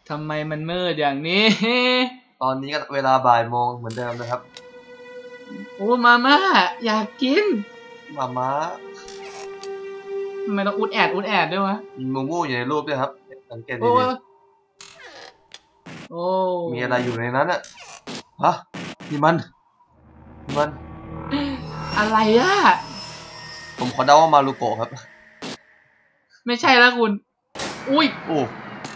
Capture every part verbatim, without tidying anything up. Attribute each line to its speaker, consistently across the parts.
Speaker 1: ทำไมมันมืดอย่างนี้
Speaker 2: ตอนนี้ก็เวลาบ่ายโมงเหมือนเดิมนะครับ
Speaker 1: โอ้มาม่าอยากกิน
Speaker 2: มาม่า
Speaker 1: ทำไมต้องอุดแอดอุดแอดด้วยวะ
Speaker 2: มีมูมูอยู่ในรูปด้วยครับสังเกตดี
Speaker 1: ๆโอ้
Speaker 2: มีอะไรอยู่ในนั้นอะฮะนี่มันนี่มัน
Speaker 1: อะไรอะ
Speaker 2: ผมขอเดาว่ามารุโกะครับ
Speaker 1: ไม่ใช่แล้วคุณอุ้ย
Speaker 2: โอ้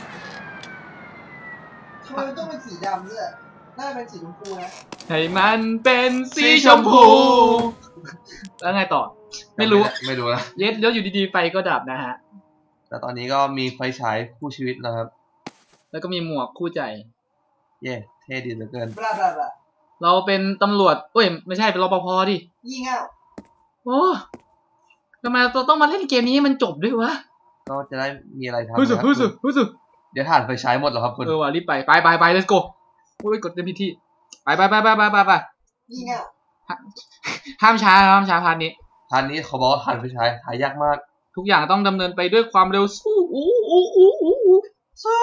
Speaker 3: ทำไมมันต้องเป็นสีดำด้วยน่าเป็นสีชมพูนะ
Speaker 1: ให้มันเป็นสีชมพู แล้วไงต่อไม่รู้
Speaker 2: ไม่รู้นะ
Speaker 1: เย็ดแล้วอยู่ดีๆไฟก็ดับนะฮะ
Speaker 2: แต่ตอนนี้ก็มีไฟฉายคู่ชีวิตแล้วครับ
Speaker 1: แล้วก็มีหมวกคู่ใจ
Speaker 2: เย่เท่ดีเหลือเกิน
Speaker 1: เราเป็นตำรวจเอ้ยไม่ใช่เป็นรปภดิ
Speaker 3: ยี่เง่า
Speaker 1: โอ้ทำไมเราต้องมาเล่นเกมนี้มันจบด้วยวะ
Speaker 2: ก็จะได้มีอะไรทำ
Speaker 1: ฮึสึฮึสึฮึสึ
Speaker 2: เดี๋ยวถ่านไฟฉายหมดเหรอครับคุณ
Speaker 1: เออว่ะรีบไปไปไปไป let's go โอ้ยกดเต็มพิธีไปไปไปไปไปไปไป
Speaker 3: ยี่เง่า
Speaker 1: ห้ามช้าห้ามช้าพาร์ทนี้
Speaker 2: พาร์ทนี้เขาบอกว่าถ่านไฟฉายหายากมาก
Speaker 1: ทุกอย่างต้องดำเนินไปด้วยความเร็วสู้อู้อู้อู้อู้
Speaker 3: สู้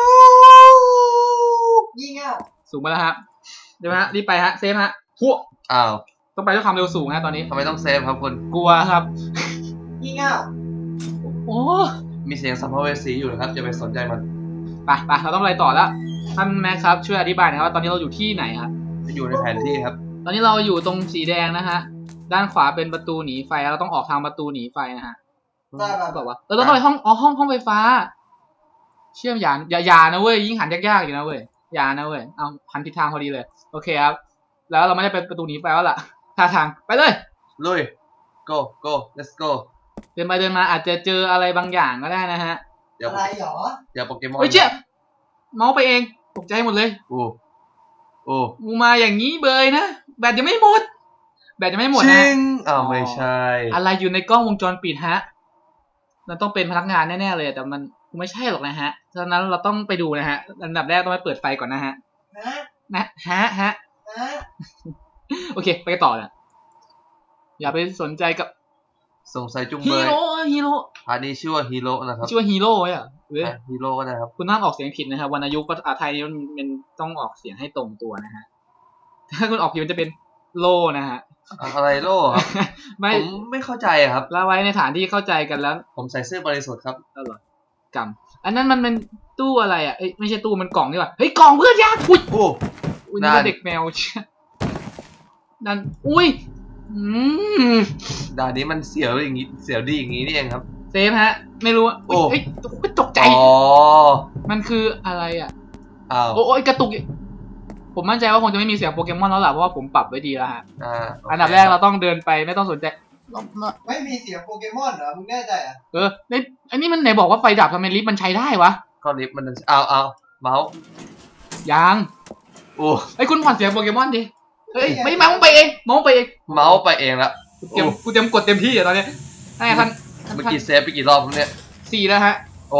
Speaker 3: ยี่เง่า
Speaker 1: สูงมาแล้วฮะเดี๋ยวฮะรีบไปฮะเซฟฮะพวก
Speaker 2: อ้าว
Speaker 1: ต้องไปด้วยความเร็วสูงฮะตอนนี้
Speaker 2: ทำไมต้องเซฟครับคุณ
Speaker 1: กลัวครับ
Speaker 3: ยี่เง่า
Speaker 1: โอ้
Speaker 2: มีเสียงสัมภเวสีอยู่นะครับอย่าไปสนใจมัน
Speaker 1: ไปไปเราต้องไปต่อแล้วท่านแม็กครับช่วยอธิบายหน่อยครับว่าตอนนี้เราอยู่ที่ไหนครับ
Speaker 2: อยู่ในแผนที่ครับ
Speaker 1: ตอนนี้เราอยู่ตรงสีแดงนะฮะด้านขวาเป็นประตูหนีไฟเราต้องออกทางประตูหนีไฟนะฮะบอกว่าเออเราต้องไปห้องอ๋อห้องห้องไฟฟ้าเชื่อมยานอย่าอย่านะเว้ยยิ่งหันยากๆอยู่นะเว้ยอย่านะเว้ยเอาหันทิศทางพอดีเลยโอเคครับแล้วเราไม่ได้ไปประตูหนีไฟแล้วล่ะท่าทางไปเลย
Speaker 2: ลุย go go let's go
Speaker 1: เดินไปเดินมาอาจจะเจออะไรบางอย่างก็ได้นะฮะ
Speaker 3: อะไรหรอ
Speaker 2: เดี๋ยวโปเกมอน
Speaker 1: เฮ้ยเจี๊ยบเมาส์ไปเองตกใจหมดเลย
Speaker 2: โอ้โอ้
Speaker 1: มูมาอย่างนี้เบยนะแบตยังไม่หมดแบตยังไม่หมดนะ
Speaker 2: จริงอ้าวไม่ใช่
Speaker 1: อะไรอยู่ในกล้องวงจรปิดฮะมันต้องเป็นพนักงานแน่ๆเลยแต่มันไม่ใช่หรอกนะฮะฉะนั้นเราต้องไปดูนะฮะอันดับแรกต้องไปเปิดไฟก่อนนะฮะนะฮะฮะโอเคไปต่อเลยอย่าไปสนใจกับ
Speaker 2: สงสัยจุงเบย
Speaker 1: ฮีโร่ฮีโร่
Speaker 2: อันนี้ชื่อว่าฮีโร่นะครับ
Speaker 1: ชื่อว่าฮีโร่อ่ะเว้ย
Speaker 2: ฮีโร่ก็ได้ครับ
Speaker 1: คุณห้ามออกเสียงผิดนะครับวรรณยุกต์ภาษาไทยมันเป็นต้องออกเสียงให้ตรงตัวนะฮะถ้าคุณออกผิดมันจะเป็นโลนะฮะ
Speaker 2: อะไรโล่ครับไม่ผมไม่เข้าใจครับ
Speaker 1: แล้วไว้ในฐานที่เข้าใจกันแล้ว
Speaker 2: ผมใส่เสื้อบริสุทธิ์ครับ
Speaker 1: เออกำอันนั้นมันเป็นตู้อะไรอ่ะเอ้ยไม่ใช่ตู้มันกล่องนี่หว่าเฮ้ยกล่องเพื่อนยากอุ้ย
Speaker 2: โอ้
Speaker 1: อุ้ยนี่เด็กแมวนั่นอุ้ยอืม
Speaker 2: ด่านนี้มันเสียวอย่างนี้เสียวดีอย่างนี้นี่เองครับ
Speaker 1: เซฟฮะไม่รู้โอ้ยตกใจ
Speaker 2: อ๋อ
Speaker 1: มันคืออะไรอ่ะ
Speaker 2: อ้าว
Speaker 1: โอ้ยกระตุกผมมั่นใจว่าคงจะไม่มีเสียงโปเกมอนแล้วล่ะเพราะว่าผมปรับไว้ดีแล้วฮะอันดับแรกเราต้องเดินไปไม่ต้องสนใจ
Speaker 3: ไม่มีเสียงโปเกมอนเหรอมึงแน่ใจอ่ะ
Speaker 1: เออในอันนี้มันไหนบอกว่าไฟดับทำไมลิฟต์มันใช้ได้วะ
Speaker 2: ก็ลิฟต์มันเอาเอาเมาส์
Speaker 1: ยัง
Speaker 2: โอ้
Speaker 1: ไอ้คุณผ่อนเสียงโปเกมอนดิเฮ้ยไม่เมาส์ไปเองเมาส์ไปเอง
Speaker 2: เมาส์ไปเองละ
Speaker 1: เตรียมกูเตรียมกดเต็มที่อะตอนนี้ไอ้ท่าน
Speaker 2: เมื่อกี้เซฟไปกี่รอบผมเนี่ย
Speaker 1: สี่แล้วฮะ
Speaker 2: โอ้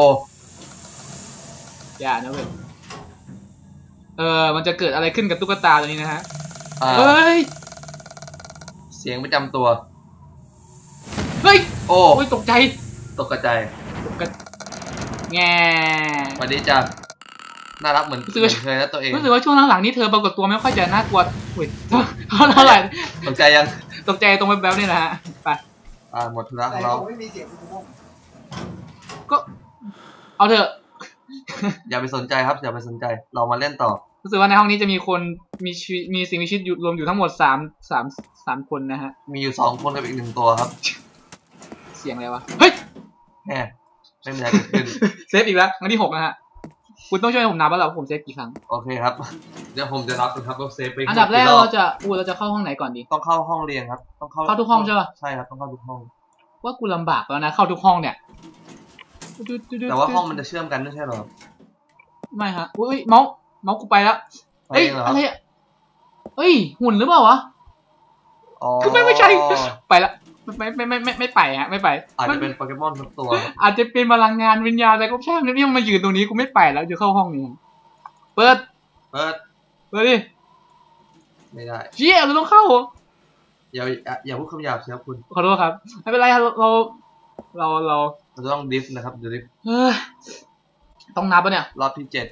Speaker 1: อย่านะเว้ยเออมันจะเกิดอะไรขึ้นกับตุ๊กตาตัวนี้นะฮะเฮ้ย
Speaker 2: เสียงประจำตัว
Speaker 1: เฮ้ย
Speaker 2: โอ้
Speaker 1: ยตกใจ
Speaker 2: ตกใจ
Speaker 1: แง่
Speaker 2: สวัสดีจ้ะน่ารักเหมือนเคยนะตัวเอง
Speaker 1: รู้สึกว่าช่วงหลังๆนี้เธอปรากฏตัวไม่ค่อยจะน่ากลัวอุ้ยเท่าไหร่
Speaker 2: ตกใจยัง
Speaker 1: ตกใจตรงแบ๊วๆนี่แหละฮะไป
Speaker 2: อ่าหมดแล้วเรา
Speaker 3: ไม่มีเสียง
Speaker 1: ก็เอาเถอะ
Speaker 2: อย่าไปสนใจครับอย่าไปสนใจเรามาเล่นต่อ
Speaker 1: รู้สึกว่าในห้องนี้จะมีคนมีมีสิ่งมีชีวิตอยู่รวมอยู่ทั้งหมดสามสามสามคนนะฮะ
Speaker 2: มีอยู่สองคนกับอีกหนึ่งตัวครับ
Speaker 1: เสียงอะไรวะเฮ้ย
Speaker 2: แหมไม่มีอะไรเกิดขึ้น
Speaker 1: เซฟอีกแล้วครั้งที่หกนะฮะคุณต้องช่วยผมนับว่าเราผมเซฟกี่ครั้ง
Speaker 2: โอเคครับเดี๋ยวผมจะนับนะครับว่าเซฟไป
Speaker 1: อันดับแรกเราจะอูเราจะเข้าห้องไหนก่อนดี
Speaker 2: ต้องเข้าห้องเรียนครับต้องเข้า
Speaker 1: เข้าทุกห้องใช่ป่ะ
Speaker 2: ใช่ครับต้องเข้าทุกห้อง
Speaker 1: ว่ากูลำบากแล้วนะเข้าทุกห้องเนี่ย
Speaker 2: แต่ว่าห้องมันจะเชื่อมกันไม่ใช่หรอ
Speaker 1: ไม่ฮะอุ้ยเมาส์เมาส์กูไปแล้วเอ้ยอะไรอ่ะเฮ้ยหุ่นหรือเปล่าวะคือไม่ไม่ใช่ไปละไม่ไม่ไม่ไม่ไม่ไปฮะไม่ไป
Speaker 2: อาจจะเป็นโปเกมอนทุกตัว
Speaker 1: อาจจะเป็นพลังงานวิญญาณอะไรก็ช่างนี่มันมายืนตรงนี้กูไม่ไปแล้วจะเข้าห้องนี้เปิด
Speaker 2: เปิด
Speaker 1: เปิดดิ
Speaker 2: ไม่ได้
Speaker 1: เชี่ยเราต้องเข้า
Speaker 2: อย่าอย่าพูดคำหยาบสิครับคุณ
Speaker 1: ขอโทษครับไม่เป็นไรเราเราเรา
Speaker 2: เราต้องดิฟนะครับดิฟ
Speaker 1: ต้องนับปะเนี่ย
Speaker 2: รอบที่เจ็ดครับ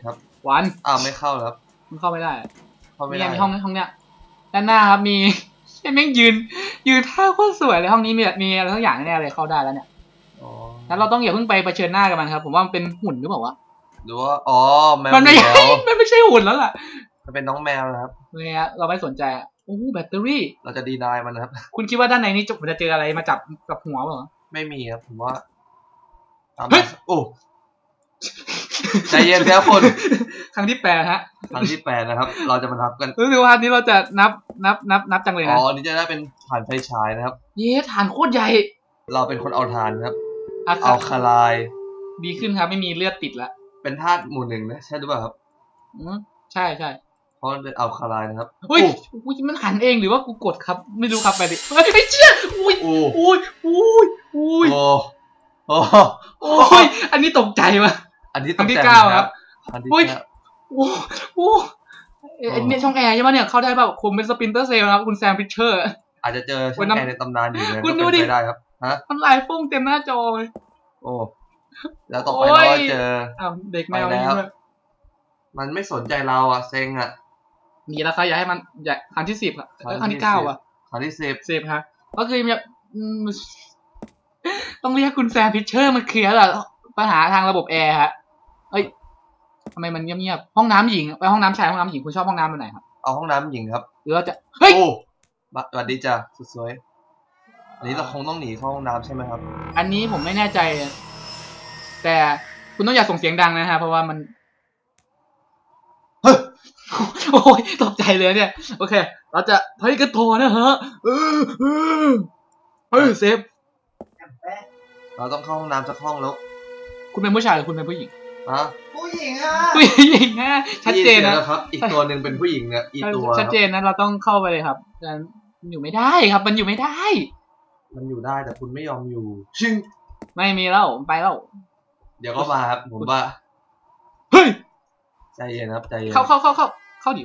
Speaker 1: วัน
Speaker 2: อ้าวไม่เข้าแล้ว
Speaker 1: มันเข้าไม่ได้
Speaker 2: เข้าไม่
Speaker 1: มี
Speaker 2: ได้
Speaker 1: มีห้องห้องเนี้ยด้านหน้าครับมีแม่งยืนยืนท่าโคตรสวยเลยห้องนี้มีมีอะไรทั้งอย่างแน่เลยเข้าได้แล้วเนี่ย
Speaker 2: อ๋อ
Speaker 1: งั้นเราต้องอย่าเพิ่งไปเผชิญหน้ากับมันครับผมว่ามันเป็นหุ่นหรือเปล่าวะ
Speaker 2: หรือว่าอ๋อแมว
Speaker 1: มันไม่
Speaker 2: เหมี
Speaker 1: ใช่
Speaker 2: ยว
Speaker 1: มันไม่ใช่หุ่นแล้วล่ะ
Speaker 2: มันเป็นน้องแมวนะครับ
Speaker 1: เนี่ยเราไม่สนใจอ่ะโอ้แบตเตอรี่
Speaker 2: เราจะดีนายมันนะครับ
Speaker 1: คุณคิดว่าด้านในนี้จะจะเจออะไรมาจับกับหัวเปล่า
Speaker 2: ไม่มีครับผมว่าตาม
Speaker 1: เฮ้ย
Speaker 2: โอ้ใจเย็นครับคุณ
Speaker 1: ครั้งที่แปดฮะ
Speaker 2: ครั้งที่แปดนะครับ เราจะมานับกัน
Speaker 1: รู้สึกว่าอันนี้เราจะนับนับนับนับจังเลย
Speaker 2: อ๋
Speaker 1: นะ
Speaker 2: ออันนี้จะได้เป็นถ่านไฟฉายนะครับ
Speaker 1: เย้ฐานโคตรใหญ่
Speaker 2: เราเป็นคนเอาถ่านครับ
Speaker 1: อะครั
Speaker 2: เอา
Speaker 1: บ
Speaker 2: คาไลาย
Speaker 1: ดีขึ้นครับไม่มีเลือดติดละ
Speaker 2: เป็นธาตุหมู่หนึ่งนะใช่หรือเปล่าครับ
Speaker 1: อืมใช่ใช่
Speaker 2: เพราะมันเป็นเอาคาไลายนะครับ
Speaker 1: อุ้ย
Speaker 2: โอ้
Speaker 1: อุ้ยมันหันเองหรือว่ากูกดครับ ไม่รู้ครับไปดิเฮ้ยไอ้เชี่ยอุ้ย
Speaker 2: โอ้
Speaker 1: อุ้ยอุ้ยอุ้ย
Speaker 2: โอ้โอ้
Speaker 1: โอ้ยอันนี้ตกใจว่ะ
Speaker 2: อันนี้
Speaker 1: ครั้งที่
Speaker 2: ตใจ
Speaker 1: เก้าครับ
Speaker 2: อันที่
Speaker 1: อุ้ย
Speaker 2: เก้า
Speaker 1: โอ้โหเอ้ยเนี่ยช่องแอร์ใช่ไหมเนี่ยเข้าได้เปล่าผมเป็นสปินเตอร์เซลนะครับคุณแซมพิชเชอร์
Speaker 2: อาจจะเจอช่
Speaker 1: วั
Speaker 2: อน ง
Speaker 1: นั้น
Speaker 2: แอร์ในตำนานอยู่นะ
Speaker 1: คุณ
Speaker 2: ก็
Speaker 1: ดู
Speaker 2: เป็น
Speaker 1: ดิ
Speaker 2: ไปได้ครับฮะ
Speaker 1: มันลายฟุ้งเต็มหน้าจอเลย
Speaker 2: โอ้แล้วต่อไป
Speaker 1: โอ้
Speaker 2: เรา
Speaker 1: ย
Speaker 2: ก็เจอ
Speaker 1: อ้าวเด็กแมว
Speaker 2: ไปแล้ว
Speaker 1: นี่ด้วย
Speaker 2: มันไม่สนใจเราอ่ะเซ็งอ่ะ
Speaker 1: มีแล้วครับอยากให้มันอยากครั้งที่สิบอะ
Speaker 2: ครั้งที่
Speaker 1: ครั้งที่เก้าอะ
Speaker 2: ครั้งที่สิบ
Speaker 1: สิบฮะก็คือแบบอืมต้องเรียกคุณแซมพิชเชอร์มันเคลียร์แหละปัญหาทางระบบแอร์ฮะเอ้ยทำไมมันเงียบๆห้องน้ำหญิงไปห้องน้ำชายห้องน้ำหญิงคุณชอบห้องน้ำแบบไหนครับ
Speaker 2: เอาห้องน้ำหญิงครับ
Speaker 1: หรือเราจะเฮ้ย
Speaker 2: โอ้บัสวัสดีจ้ะสุดสวยอันนี้เราคงต้องหนีเข้าห้องน้ำใช่ไหมครับ
Speaker 1: อันนี้ผมไม่แน่ใจ แต่คุณต้องอย่าส่งเสียงดังนะฮะเพราะว่ามัน
Speaker 2: เฮ้ย
Speaker 1: โอ้ยตกใจเลยเนี่ยโอเค เราจะไปกันต่อนะฮะเออเออเฮ้ยเซฟ
Speaker 2: เราต้องเข้าห้องน้ำสักห้องแล้ว
Speaker 1: คุณเป็นผู้ชายหรือคุณเป็นผู้หญิง
Speaker 2: นะ
Speaker 3: ผู้หญิงอ่ะ
Speaker 1: ผู้หญิงนะชัดเจนนะ
Speaker 2: ได้ยิสียงแล้วครับ อีกตัวหนึ่งเป็นผู้หญิงเนี่ยอีตัว
Speaker 1: ชัดเจนนะเราต้องเข้าไปเลยครับแต่มันอยู่ไม่ได้ครับ มันอยู่ไม่ได้
Speaker 2: มันอยู่ได้แต่คุณไม่ยอมอยู่ชิง
Speaker 1: ไม่มีแล้วผมไปแล้ว
Speaker 2: เดี๋ยวก็มาครับผมว่า
Speaker 1: เฮ้ย
Speaker 2: ใจเย็นครับใจเย็น
Speaker 1: เข้าเข้าเข้าเข้าเข้าดิ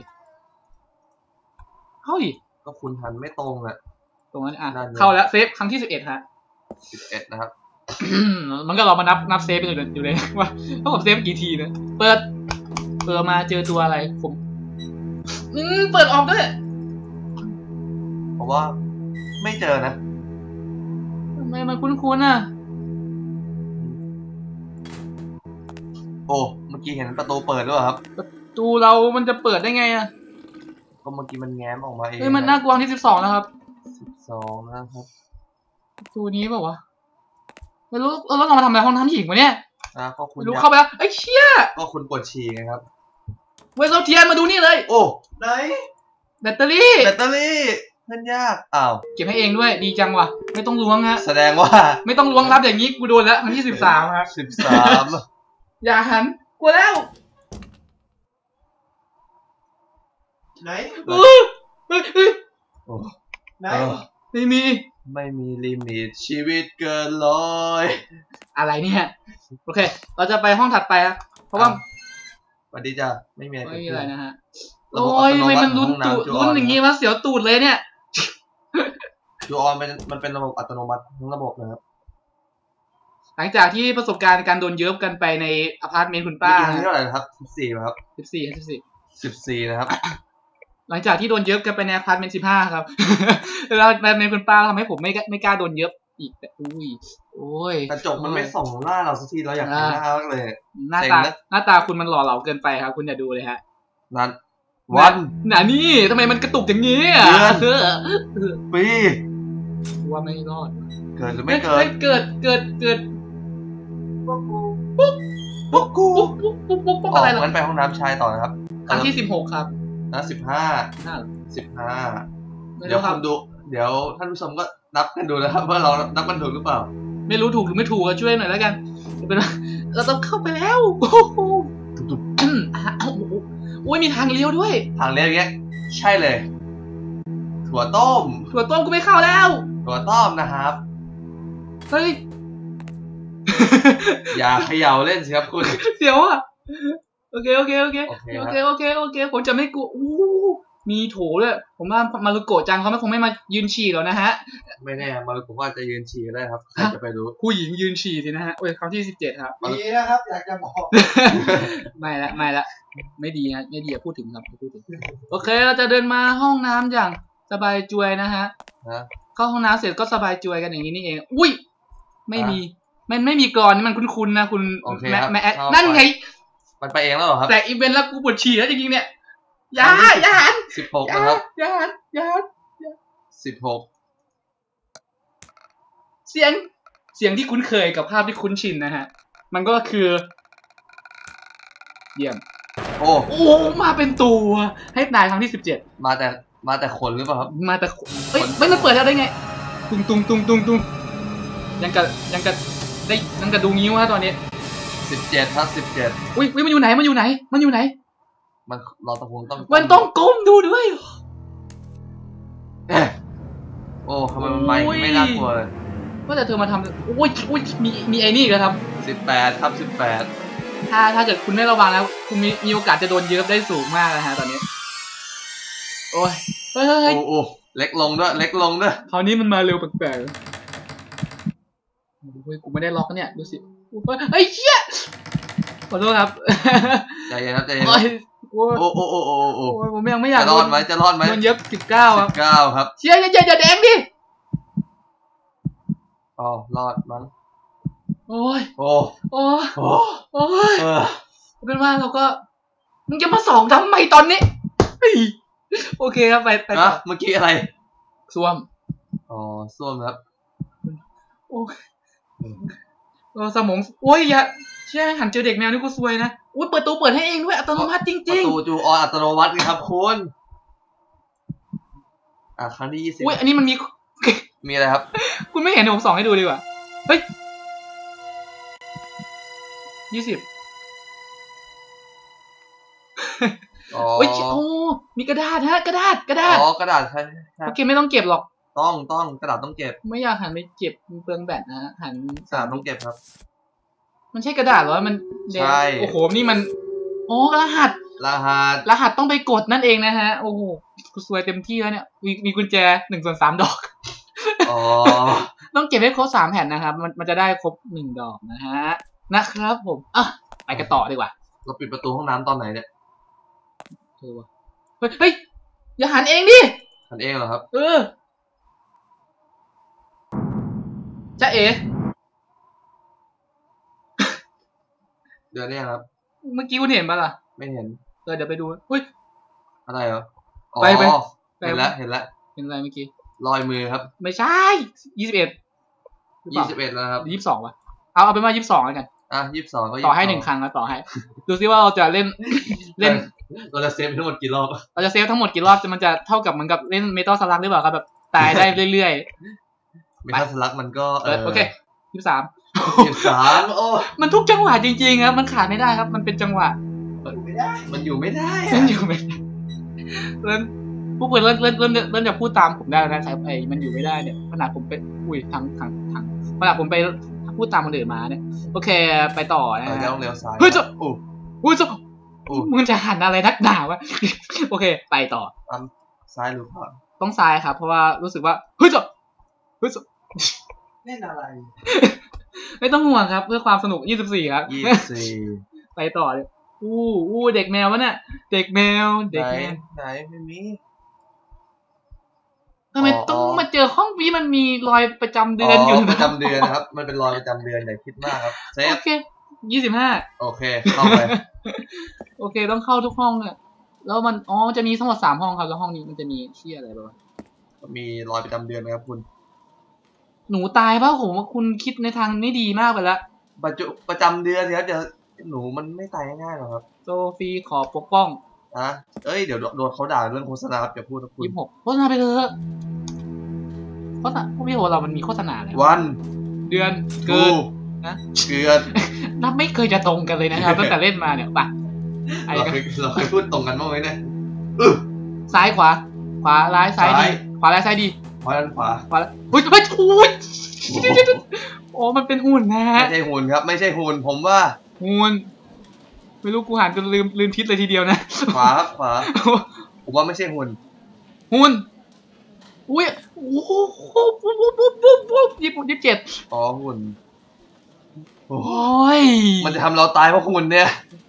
Speaker 1: เข้าดิ
Speaker 2: ก็คุณทันไม่ตรงอ่ะ
Speaker 1: ตรงนั้นอ่ะ
Speaker 2: นั่นไง
Speaker 1: เข้าแล้วเซฟครั้งที่สิบเอ็ดฮะ
Speaker 2: สิบเอ็ดนะครับ
Speaker 1: มันก็เรามานับนับเซฟไปอยู่เลยอยู่เลยว่าว่าผมเซฟกี่ทีนะเปิดเปิดมาเจอตัวอะไรผมอืมเปิดออกด้วย
Speaker 2: เพราะว่าไม่เจอนะ
Speaker 1: ทำไมมันคุ้นๆอ่ะ
Speaker 2: โอ้เมื่อกี้เห็นประตูเปิดด้วยเหรอครับ
Speaker 1: ประตูเรามันจะเปิดได้ไงอ่ะ
Speaker 2: ก็เมื่อกี้มันแง้มออกมาเอง
Speaker 1: เฮ้ยมันน่ากลัวที่สิบสองแล้วครับ
Speaker 2: สิบสองนะครับ
Speaker 1: ประตูนี้เปล่าวะไม่รู้เออแล้วเรามาทำอะไรห้องน้ำหญิงวะเนี่ย
Speaker 2: อ่ะก็คุณ
Speaker 1: ไม่รู้
Speaker 2: อยาก
Speaker 1: เข้าไปแล้วไอ้ยเชี่ย
Speaker 2: ก็คุณปวดฉี่ไงครับ
Speaker 1: เว้ยเราเทียนมาดูนี่เลย
Speaker 2: โอ้
Speaker 3: ไหน
Speaker 1: แบตเตอรี่
Speaker 2: แบตเตอรี่เล่นยากอ้าว
Speaker 1: เก็บให้เองด้วยดีจังว่ะไม่ต้องล้วงฮะ
Speaker 2: แสดงว่า
Speaker 1: ไม่ต้องล้วงรับอย่างนี้กูโดนแล้วครั้งที่สิบสามครับ
Speaker 2: สิบสาม
Speaker 1: อย่าหันกลัวแล้ว
Speaker 3: ไหน
Speaker 1: เออเฮ้ยเฮ้ย
Speaker 2: โอ้
Speaker 3: ไหน
Speaker 2: เออ
Speaker 1: ไม่มี
Speaker 2: ไม่มีลิมิตชีวิตเกินร้อย
Speaker 1: อะไรเนี่ยโอเค เราจะไปห้องถัดไปครับเพราะว่า
Speaker 2: สวัสดีจ้ะไม่มีอะไร
Speaker 1: ไม่
Speaker 2: เกิด
Speaker 1: มี
Speaker 2: ขึ้
Speaker 1: อะไร
Speaker 2: น
Speaker 1: นะฮะ
Speaker 2: ระบบ
Speaker 1: โอ้ย
Speaker 2: อัตโน
Speaker 1: ทำไม
Speaker 2: มั
Speaker 1: มัน
Speaker 2: ติ
Speaker 1: ลุ้น
Speaker 2: ของ
Speaker 1: ตูด
Speaker 2: ห้องน้ำ
Speaker 1: ลุ้นอย่างงี้วะเสียวตูดเลยเนี่ย
Speaker 2: จูออนเป็นมันเป็นระบบอัตโนมัติทั้งระบบนะครับ
Speaker 1: หลังจากที่ประสบการณ์การโดนเยิบกันไปในอพาร์ตเมนต์คุณป้า
Speaker 2: เมื่อกี้เท่าไหร่นะครับสิบสี่ครับ
Speaker 1: สิบสี่สิบสี่
Speaker 2: สิบสี่นะครับ
Speaker 1: หลังจากที่โดนเยิบกันไปในอพาร์ตเมนต์สิบห้าครับ แล้วอพาร์ตเมนต์คุณป้าทำให้ผมไม่ไม่กล้าโดนเยิบอีกแต่อุ้ยโอ้ย
Speaker 2: กระจกมันไม่ส่องหน้าเราสักทีเราอยากเห็นหน้ามากเลย
Speaker 1: หน้า
Speaker 2: เซ็ง
Speaker 1: ตา
Speaker 2: นะ
Speaker 1: หน้าตาคุณมันหล่อเหลาเกินไปครับ คุณอย่าดูเลยฮะ
Speaker 2: นั้นวัน
Speaker 1: หนานี่ทำไมมันกระตุกอย่างนี้อ่ะ
Speaker 2: เดือน
Speaker 1: เออ
Speaker 2: ปี
Speaker 1: ว่าไม่รอด
Speaker 2: เกิดหรือไม่เกิ
Speaker 1: ฮ้
Speaker 2: ด
Speaker 1: ยเกิดเกิดเกิด
Speaker 3: พวกกู
Speaker 2: ปุ๊กกู
Speaker 1: ปุ๊บปุ๊บปุ๊บปุ๊บปุ๊บ
Speaker 2: ออ
Speaker 1: อะไร
Speaker 2: ก
Speaker 1: ล่ะ
Speaker 2: งั้นไปห้องน้ำชายต่อนะครับ
Speaker 1: ครั้งที่สิบหกครับ
Speaker 2: นะสิบห้า
Speaker 1: น่าเหรอ
Speaker 2: สิบห้า
Speaker 1: ไม่
Speaker 2: เดี๋ยว
Speaker 1: รู้ค
Speaker 2: คุ
Speaker 1: รับ
Speaker 2: ณดู เดี๋ยวท่านผู้ชมก็นับกันดูนะครับว่าเรานับกันถูกหรือเปล่า
Speaker 1: ไม่รู้ถูกหรือไม่ถูกก็ช่วยหน่อยแล้วกันเป็นว่าเราต้องเข้าไปแล้วโอ้โหอืมอ่ะโอ้โหโอ้ยมีทางเลี้ยวด้วย
Speaker 2: ทางเรียกเงี้ยใช่เลย ถั่วต้ม
Speaker 1: ถั่วต้มกูไม่เข้าแล้ว
Speaker 2: ถั่วต้มนะครับ
Speaker 1: เฮ้ย
Speaker 2: อย่าเขย่าเล่นสิครับคุณ
Speaker 1: เสียวอ่ะโอเคโอเคโอเค
Speaker 2: โอเค
Speaker 1: โอ
Speaker 2: ครับ
Speaker 1: เคโอเคโอเคผมจะไม่กลัวอู้มีโถด้วยผมว่ามารุโกะจังเขาไม่คงไม่มายืนฉี่แล้วนะฮะ
Speaker 2: ไม่แน่มาผมว่าจะยืนฉี่ก็ได้ครับใครจะไปรู้
Speaker 1: ผู้หญิงยืนฉี่สินะฮะโอ้ยครั้งที่สิบเจ็ดครับ
Speaker 3: ดีนะครับ อยากจะบอก
Speaker 1: ไม่ละไม่ละไม่ดีฮะไม่ดีอย่าพูดถึงครับพูดถึงโอเคเราจะเดินมาห้องน้ำอย่างสบายจวยนะฮะเข้าห้องน้ำเสร็จก็สบายจวยกันอย่างนี้นี่เองอุ้ยไม่มีมันไม่มีกรอนนี่มันคุ้นๆนะคุณแม่แม่นั่นไง
Speaker 2: มันไปเองแล้วเหรอครับ
Speaker 1: แต่อีเวนต์แล้วกูปวดฉี่แล้วจริงๆเนี่ยยาอย่าหัน
Speaker 2: สิบหกนะครับ
Speaker 1: อย่าหันอย่าหัน
Speaker 2: สิบหก
Speaker 1: เสียงเสียงที่คุ้นเคยกับภาพที่คุ้นชินนะฮะมันก็คือเยี่ยม
Speaker 2: โอ้
Speaker 1: โอ้มาเป็นตัวให้ตายครั้งที่สิบเจ็ด
Speaker 2: มาแต่มาแต่ขนหรือเปล่าครับ
Speaker 1: มาแต่เอ้ยไม่มันเปิดแล้วได้ไงตุงตุงตุงตุงตุงยังกะยังกะได้ยังกะดูงิ้วฮะตอนนี้
Speaker 2: สิบเจ็ดครับสิบเจ็ด
Speaker 1: อุ้ยมันอยู่ไหนมันอยู่ไหนมันอยู่ไหน
Speaker 2: มันเราตะพงต้อง
Speaker 1: มันต้องก้มดูด้วย
Speaker 2: โอ้ทำไมมันไม่ไม่น่ากลัวเลย
Speaker 1: ว่าแต่เธอมาทำโอ้ยโอ้ยมีมีไอ้นี่ก็ท
Speaker 2: ำสิบแปดครับสิบแปด
Speaker 1: ถ้าถ้าเกิดคุณไม่ระวังแล้วคุณมีมีโอกาสจะโดนเยิบได้สูงมากนะฮะตอนนี้โอ้ยเฮ้ย
Speaker 2: โอ้เล็กลงด้วยเล็กลงด้วย
Speaker 1: คราวนี้มันมาเร็วแปลกๆเฮ้ยกูไม่ได้ล็อกเนี่ยดูสิเฮ้ยเชี่ยขอโทษครับ
Speaker 2: ใจเย็นครับใจเย็นโอ้โอ้โอ้โอ้โอ้
Speaker 1: ผมยังไม่อยาก
Speaker 2: จะรอดไหมจะรอดไหม
Speaker 1: โดนเย็บสิบเก้าครับ
Speaker 2: สิบเก้าครับ
Speaker 1: เชี่ยอย่าอย่าแดงดิ
Speaker 2: อ๋อรอดมั้ง
Speaker 1: โอ้ย
Speaker 2: โอ้
Speaker 1: โอ้โอ้โอ้ยเป็นว่าเราก็มึงจะมาสองทำไมตอนนี้โอเคครับไปไป
Speaker 2: ต่อเมื่อกี้อะไร
Speaker 1: ส้วม
Speaker 2: อ๋อส้วมครับ
Speaker 1: โอ้ยสมองโอ้ยอย่าเชื่อหันเจอเด็กแมวนี่กูซวยนะอุ้ยเปิดตู้เปิดให้เองด้วยอัตโนมัติจริงๆ
Speaker 2: ประตูจูออัตโนมัติครับคุณอ่ะครั้งที่ยี่สิบ
Speaker 1: อุ้ยอันนี้มันมี
Speaker 2: มีอะไรครับ
Speaker 1: คุณไม่เห็นผมส่องให้ดูดีกว่าเฮ้ยยี่สิบ
Speaker 2: อ๋อ
Speaker 1: โอ้ยโอ้มีกระดาษฮะกระดาษกระดาษ
Speaker 2: อ๋อกระดาษใช่
Speaker 1: โอเคไม่ต้องเก็บหรอก
Speaker 2: ต้องต้องกระดาษต้องเก็บ
Speaker 1: ไม่อยากหันไปเก็บเปลืองแบตนะฮะหัน
Speaker 2: กระดาษต้องเก็บครับ
Speaker 1: มันใช่กระดาษหรอมัน
Speaker 2: ใช่
Speaker 1: โอ้โหนี่มันโอ้รหัส
Speaker 2: รหัส
Speaker 1: รหัสต้องไปกดนั่นเองนะฮะโอ้โหกูซวยเต็มที่แล้วเนี่ยมีมีกุญแจหนึ่งส่วนสามดอก
Speaker 2: อ๋อ
Speaker 1: ต้องเก็บให้ครบสามแผ่นนะครับมันมันจะได้ครบหนึ่งดอกนะฮะนะครับผมอ่ะไปกันต่อดีกว่า
Speaker 2: เราปิดประตูห้องน้ำตอนไหนเนี่ย
Speaker 1: เฮ้ยเฮ้ยอย่าหันเองดิ
Speaker 2: หันเองเหรอครับ
Speaker 1: เออจ๊ะเอ๋
Speaker 2: เดือนนี้ครับ
Speaker 1: เมื่อกี้คุณเห็นปะล่ะ
Speaker 2: ไม่เห็น
Speaker 1: เออเดี๋ยวไปดูเฮ้ย
Speaker 2: อะไรเหรอ
Speaker 1: ไปไป
Speaker 2: เห็นแล้วเห็นแล้ว
Speaker 1: เห็นอะไรเมื่อกี้
Speaker 2: รอยมือครับ
Speaker 1: ไม่ใช่ยี่สิบเอ็ด
Speaker 2: ยี่สิบเอ็ดแล้วครับ
Speaker 1: ยี่สิบสองวะเอาเอาไปมายี่สิบสองแล้วกัน
Speaker 2: อ่ะยี่สิบสองก็
Speaker 1: ต่อให้หนึ่งครั้งแล้วต่อให้ดูซิว่าเราจะเล่นเล่น
Speaker 2: เราจะเซฟทั้งหมดกี่รอบ
Speaker 1: เราจะเซฟทั้งหมดกี่รอบจะมันจะเท่ากับเหมือนกับเล่นเมทัลสลักหรือเปล่าครับแบบตายได้เรื่อย
Speaker 2: ๆเมทัลสลักมันก็
Speaker 1: เออโอเคยี่สิบสาม
Speaker 2: ยี่สิบสามโอ้
Speaker 1: มันทุกจังหวะจริงๆครับมันขาดไม่ได้ครับมันเป็นจังหวะ
Speaker 2: มันอยู่ไม่ได้
Speaker 1: มันอยู่ไม่ได้เริ่มพวกเพื่อนเริ่มเริ่มเริ่มเริ่มจะพูดตามผมได้แล้วนะครับไอ้มันอยู่ไม่ได้เนี่ยขนาดผมไปอุ้ยทางทางทางขนาดผมไปพูดตามคนอื่นมาเนี่ยโอเคไปต่อนะฮะ
Speaker 2: เลี้ยวเลี้ยวซ้าย
Speaker 1: เฮ้ยจะโอ้อุ้ยจะมึงจะหันอะไรนักหนาวะโอเคไปต่อ
Speaker 2: ซ้ายหรือขวา
Speaker 1: ต้องซ้ายครับเพราะว่ารู้สึกว่าเฮ้ยจะเฮ้ยจะ
Speaker 3: เล่นอะไร
Speaker 1: ไม่ต้องห่วงครับเพื่อความสนุกยี่สิบสี่ครับ
Speaker 2: ยี่สิบสี่
Speaker 1: ไปต่อเลยอู้อู้เด็กแมววะเนี่ยเด็กแมวเด็กแมว
Speaker 2: ไหนไม่มี
Speaker 1: ทำไมต้องมาเจอห้องนี้มันมีรอยประจำเดือนอยู่
Speaker 2: ประจำเดือนนะครับมันเป็นรอยประจำเดือนอย่าคิดมากครับเซฟ
Speaker 1: โอเคยี่สิบห้า
Speaker 2: โอเคเข้าไป
Speaker 1: โอเคต้องเข้าทุกห้องเนี่ยแล้วมันอ๋อจะมีทั้งหมดสามห้องครับแล้วห้องนี้มันจะมีเชี่ยอะไรบ้าง
Speaker 2: มีรอยประจำเดือนนะครับคุณ
Speaker 1: หนูตายป่ะผมว่าคุณคิดในทางไม่ดีมากไปแล้ว
Speaker 2: ประจุประจำเดือนเดี๋ยวเดี๋ยวหนูมันไม่ตายง่ายหรอกครับ
Speaker 1: โซฟีขอปกป้อง
Speaker 2: อ่ะเอ้ยเดี๋ยวโดนเขาด่าเรื่องโฆษณาครับอย่าพูดนะคุณ
Speaker 1: ยี่สิบหกโฆษณาไปเถอะโฆษณาพวกพี่โหเรามันมีโฆษณาอะไร
Speaker 2: วัน
Speaker 1: เดือนเกิน
Speaker 2: นะเกิน
Speaker 1: นับไม่เคยจะตรงกันเลยนะครับตั้งแต่เล่นมาเนี่ยป่ะ
Speaker 2: เราเคยเราเคยพูดตรงกันบ้างไหมเนี่ย
Speaker 1: ซ้ายขวาขวาร้ายซ้ายดีขวาร้ายซ้ายดี
Speaker 2: ขวาด้านขวา
Speaker 1: ขวาเฮ้ยเฮ้ยอุ้ยโอ้มันเป็นหุ่นนะ
Speaker 2: ไม่ใช่หุ่นครับไม่ใช่หุ่นผมว่า
Speaker 1: หุ่นไม่รู้กูหันจนลืมลืมทิศเลยทีเดียวนะ
Speaker 2: ขวาขวาผมว่าไม่ใช่หุ่น
Speaker 1: หุ่นอุ้ยโอ้โหปุ๊บปุ๊บปุ๊บปุ๊บปุ๊บยี่สิบยี่สิบเจ็ด
Speaker 2: อ๋อหุ่น
Speaker 1: โอ้ย
Speaker 2: มันจะทำเราตายเพราะหุ่นเนี่ย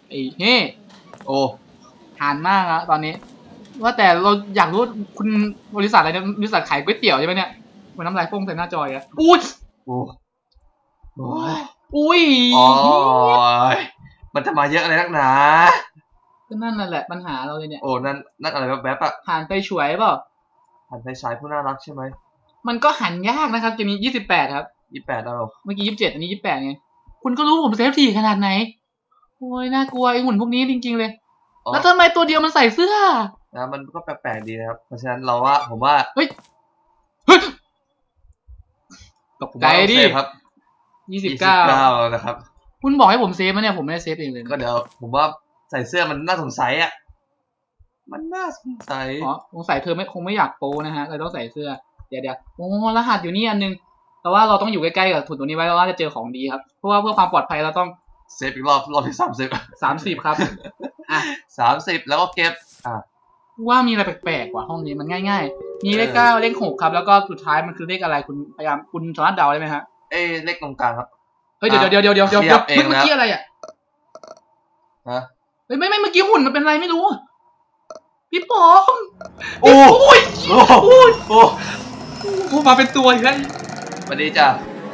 Speaker 1: ไอ้เฮ้
Speaker 2: โอ้
Speaker 1: หานมากอะตอนนี้ ว่าแต่เราอยากรู้คุณบริษัทอะไรเนี่ยบริษัทขายก๋วยเตี๋ยวใช่ไหมเนี่ยมันน้ำลายโป้งใส่หน้าจอยอะอุ้ย
Speaker 2: โอ้โอ้ย
Speaker 1: อุ้ย
Speaker 2: โอ้ยมันจะมาเยอะอะไรนักหนา
Speaker 1: ก็นั่นนั่นแหละปัญหาเราเลยเนี่ย
Speaker 2: โอ้นั่นนั่นอะไรแบบแบบอะ
Speaker 1: หันไปฉวยเปล่า
Speaker 2: หันไปฉายผู้น่ารักใช่ไหม
Speaker 1: มันก็หันยากนะครับเกมนี้ยี่สิบแปดครับ
Speaker 2: ยี่แปดแล้ว
Speaker 1: เมื่อกี้ยี่สิบเจ็ดอันนี้ยี่สิบแปดไงคุณก็รู้ผมเซฟทีขนาดไหนโอ้ยน่ากลัวไอ้หุ่นพวกนี้จริงๆเลยแล้วทำไมตัวเดียวมันใส่เสื้อ
Speaker 2: นะมันก็แปลกๆดีนะครับเพราะฉะนั้นเราว่าผมว่า
Speaker 1: เฮ้ยเฮ้ยตกใจดิ
Speaker 2: ครับ
Speaker 1: ยี่สิบเก้า
Speaker 2: นะครับ
Speaker 1: คุณบอกให้ผมเซฟมั้ยเนี่ยผมไม่ได้เซฟเองเลย
Speaker 2: ก็เดี๋ยวผมว่าใส่เสื้อมันน่าสงสัยอ่ะมันน่าสงสัย
Speaker 1: อ๋อสงสัยเธอไม่คงไม่อยากโปนะฮะเลยต้องใส่เสื้อเดี๋ยวเดี๋ยวโอ้รหัสอยู่นี่อันนึงแต่ว่าเราต้องอยู่ใกล้ๆกับถุนตัวนี้ไว้เราว่าจะเจอของดีครับเพราะว่าเพื่อความปลอดภัยเราต้อง
Speaker 2: เซฟอีกรอบรอบที่สามสิบ
Speaker 1: สามสิบครับอ่ะ
Speaker 2: สามสิบแล้วก็เก็บอ่ะ
Speaker 1: ว่ามีอะไรแปลกๆกว่าห้องนี้มันง่ายๆมีเลขเก้าเลขหกครับแล้วก็สุดท้ายมันคือเลขอะไรคุณพยายามคุณสามารถเดาได้ไหมฮะ
Speaker 2: เอ้เลขตรงกลางครับ
Speaker 1: เฮ้ยเดี๋ยวเดี๋ยวเดี๋ยวเดี๋ยวเดี๋ยวเมื่อกี้อะไรอ่ะ
Speaker 2: ฮะ
Speaker 1: เฮ้ยไม่ไม่เมื่อกี้หุ่นมันเป็นอะไรไม่รู้พี่ป๋อม
Speaker 2: โอ้ยโอ้โอ้โอ้
Speaker 1: โอ้มาเป็นตัวอีกแล้ว
Speaker 2: สวัสดีจ้ะ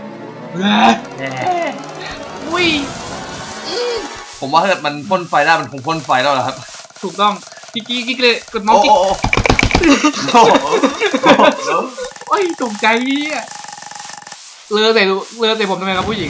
Speaker 1: อุ้ย
Speaker 2: ผมว่าถ้าเกิดมันพ่นไฟได้มันคงพ่นไฟแล้วเหรอครับ
Speaker 1: ถูกต้องกิ๊กกิ๊กเลยกดเมาส์กิ๊กโอ้ยตกใจเนี่ยเลอใส่เลอใส่ผมทำไมครับผู้หญิง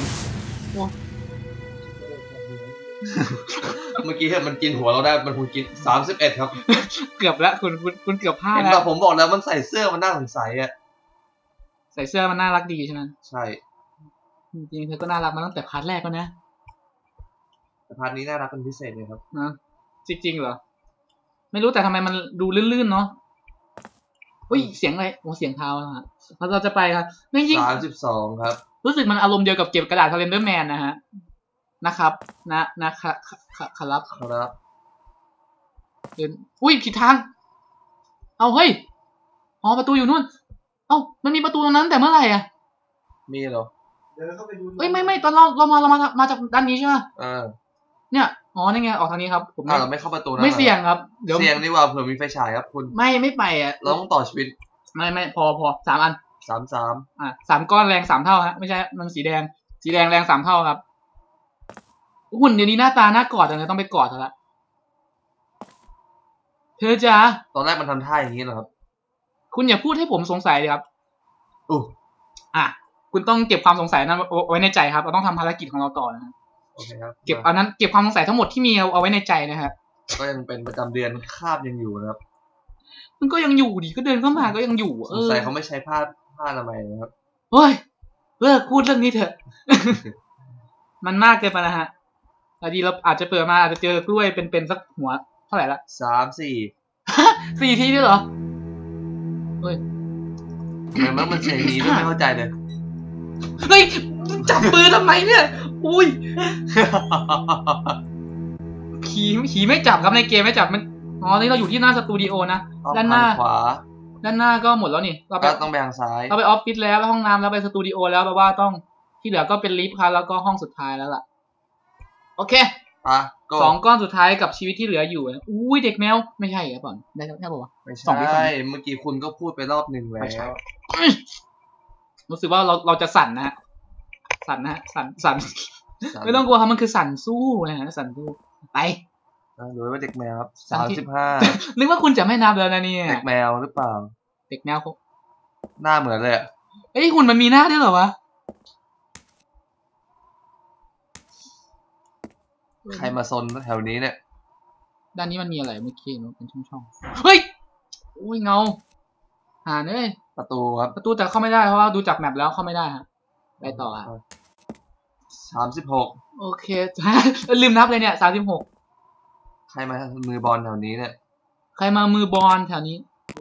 Speaker 2: เมื่อกี้มันกินหัวเราได้มันคงกินสามสิบเอ็ดครับ
Speaker 1: เกือบแล้วคุณคุณคุณเกือบพลาด
Speaker 2: แล้วผมบอกแล้วมันใส่เสื้อมันน่าสงสัยอ่ะ
Speaker 1: ใส่เสื้อมันน่ารักดีใช่ไหม
Speaker 2: ใช่
Speaker 1: จริงๆเธอก็น่ารักมาตั้งแต่พาร์ทแรกแล้วนะ
Speaker 2: แต่พาร์ทนี้น่ารักเป็นพิเศษเลยครับ
Speaker 1: นะจริงๆเหรอไม่รู้แต่ทำไมมันดูลื่นๆเนาะอุ้ยเสียงอะไรโอ้เสียงเท้าฮะเราจะไปครับจริง
Speaker 2: ๆสามสิบสองครับ
Speaker 1: รู้สึกมันอารมณ์เดียวกับเก็บกระดาษคาเลนเดอร์แมนนะฮะนะครับนะนะครับครับ
Speaker 2: ครับ
Speaker 1: เดินอุ้ยผิดทางเอาเฮ้ยอ๋อประตูอยู่นู่นเอ้ามันมีประตูตรงนั้นแต่เมื่อไหร่อ่ะ
Speaker 2: มีเหรอ
Speaker 3: เดี๋ยวเราเข้าไปดู
Speaker 1: เฮ้ยไม่ไม่ตอนเราเรามาเรามามาจากด้านนี้ใช่ไหม
Speaker 2: เออ
Speaker 1: เนี่ยอ๋อนี่ไงออกทางนี้ครับ
Speaker 2: ผมเราไม่เข้าประตูนะ
Speaker 1: ไม่เสี่ยงครับ
Speaker 2: เดี๋ยวเสี่ยงดีกว่าเผื่อมีไฟฉายครับคุณ
Speaker 1: ไม่ไม่ไปอ่ะ
Speaker 2: เราต้องต่อชีวิต
Speaker 1: ไม่ไม่พอพอสามอัน
Speaker 2: สามสาม
Speaker 1: อ่ะสามก้อนแรงสามเท่าฮะไม่ใช่มันสีแดงสีแดงแรงสามเท่าครับหุ่นเดี๋ยวนี้หน้าตาน่ากอดจังเลยต้องไปกอดเธอละเธอจ้า
Speaker 2: ตอนแรกมันทำท่าอย่างนี้เหรอครับ
Speaker 1: คุณอย่าพูดให้ผมสงสัยเลยครับ
Speaker 2: อู้
Speaker 1: อ่ะคุณต้องเก็บความสงสัยนั้นเอาไว้ในใจครับเราต้องทำภารกิจของเราต่อนะ
Speaker 2: โอเคครับ
Speaker 1: เก็บอันนั้นเก็บความสงสัยทั้งหมดที่มีเอาไว้ในใจนะครับ
Speaker 2: ก็ยังเป็นประจำเดือนคาบยังอยู่นะครับ
Speaker 1: มันก็ยังอยู่ดิก็เดินเข้ามาก็ยังอยู่
Speaker 2: สงสัยเขาไม่ใช้ผ้าผ้าอนามัยนะครับ
Speaker 1: เฮ้ยเลิกพูดเรื่องนี้เถอะ มันมากเกินไปนะฮะแต่ดีเราอาจจะเปิดมาอาจจะเจอกล้วยเป็นๆสักหัวเท่าไหร่ละ
Speaker 2: สามสี่
Speaker 1: สี่ทีด้วยเหรอเฮ้ย
Speaker 2: ทำไมมันเสียงนี้ไม่เข้าใจเลย
Speaker 1: เฮ้ยจับปืนทำไมเนี่ยอุ้ยขี่ขี่ไม่จับครับในเกมไม่จับมันอ๋อนี่เราอยู่ที่หน้าสตูดิโอนะด้านหน้า
Speaker 2: ขวา
Speaker 1: ด้านหน้าก็หมดแล้วนี่
Speaker 2: เราไปต้องไปทางซ้าย
Speaker 1: เราไปออฟฟิศแล้วไปห้องน้ำแล้วไปสตูดิโอแล้วแปลว่าต้องที่เหลือก็เป็นลิฟต์ครับแล้วก็ห้องสุดท้ายแล้วล่ะโอเค
Speaker 2: อ่ะ
Speaker 1: สองก้อนสุดท้ายกับชีวิตที่เหลืออยู่อุ้ยเด็กแมวไม่ใช่ครับก่อนได้แค่บอกว่า
Speaker 2: ไม่ใช่เมื่อกี้คุณก็พูดไปรอบหนึ่งแล้ว
Speaker 1: รู้สึกว่าเราเราจะสั่นนะฮะสั่นนะฮะสั่นสั่นไม่ต้องกลัวครับมันคือสั่นสู้นะฮะสั่นสู้ไป
Speaker 2: หรือว่าเด็กแมวครับสามสิบห้า
Speaker 1: นึกว่าคุณจะไม่นับแล้วนะเนี่ย
Speaker 2: เด็กแมวหรือเปล่า
Speaker 1: เด็กแมว
Speaker 2: หน้าเหมือนเลย
Speaker 1: เอ้ยหุ่นมันมีหน้าด้วยเหรอวะ
Speaker 2: ใครมาซนแถวนี้เนี่ย
Speaker 1: ด้านนี้มันมีอะไรเมื่อกี้มันเป็นช่องๆเฮ้ยโอ้ยเงาหาเนี่ย
Speaker 2: ประตูครับ
Speaker 1: ประตูแต่เข้าไม่ได้เพราะว่าดูจากแมปแล้วเข้าไม่ได้ฮะไปต่ออ่ะ
Speaker 2: สามสิบหก
Speaker 1: โอเคลืมนับเลยเนี่ยสามสิบหก
Speaker 2: ใครมามือบอลแถวนี้เนี่ย
Speaker 1: ใครมามือบอลแถวนี้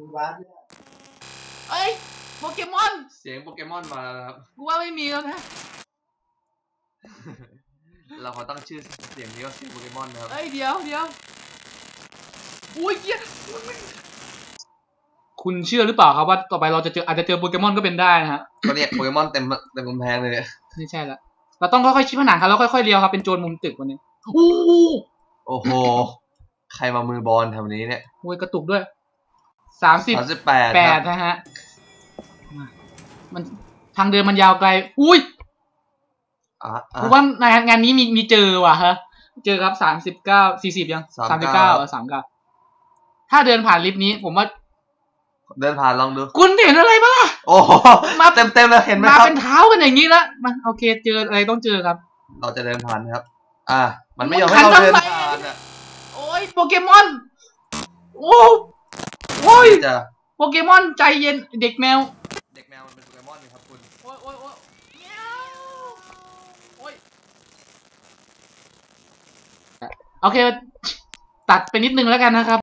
Speaker 1: เอ้ยโปเกมอน
Speaker 2: เสียงโปเกมอนมาแล้วครับ
Speaker 1: กูว่าไม่มีแล้วนะ
Speaker 2: เราขอตั้งชื่อเสียงนี้ว่าเสียงโปเกมอนนะครับ
Speaker 1: เอ้ยเดี๋ยวเดี๋ยวอุ้ยเกี้ยคุณเชื่อหรือเปล่าครับว่าต่อไปเราจะเจออาจจะเจอโปเกมอนก็เป็นได้นะฮะ
Speaker 2: ก็เนี่ยโปเกมอนเต็มเต็มกำแพงเลยเนี่ย
Speaker 1: ไม่ใช่ละเราต้องค่อยๆชี้ผนังครับแล้วค่อยๆเลี้ยวครับเป็นโจรมุมตึกวันนี้อู้
Speaker 2: โอ้โหใครมามือบอลแถวนี้เนี่ย
Speaker 1: โอ้ยกระตุกด้วยสามสิบ
Speaker 2: สามสิบแปด
Speaker 1: แปดนะฮะมันทางเดินมันยาวไกลอุ้ย
Speaker 2: อ่ะ
Speaker 1: ผมว่างานนี้มีมีเจอว่ะฮะเจอครับสามสิบเก้าสี่สิบยังสามสิบเก้าสามเก้าถ้าเดินผ่านลิฟต์นี้ผมว่า
Speaker 2: เดินผ่านลองดู
Speaker 1: คุณเห็นอะไรบ้างล่ะ
Speaker 2: โอ้มาเต็มเต็มเลยเห็นไหมครับ
Speaker 1: มาเป็นเท้ากันอย่างนี้แล้วมาโอเคเจออะไรต้องเจอครับ
Speaker 2: เราจะเดินผ่านครับอ่ามันไม่ยอมให้เราเดินผ่านอ่ะ
Speaker 1: โอ้ยโปเกมอนโอ้โอ้ยโปเกมอนใจเย็นเด็กแมว
Speaker 2: เด็กแมวมันเป็นโปเกมอนนี่ครับคุณ
Speaker 1: โอ้ยโอ้ยโอ้ยโอ้ยโอเคตัดไปนิดนึงแล้วกันนะครับ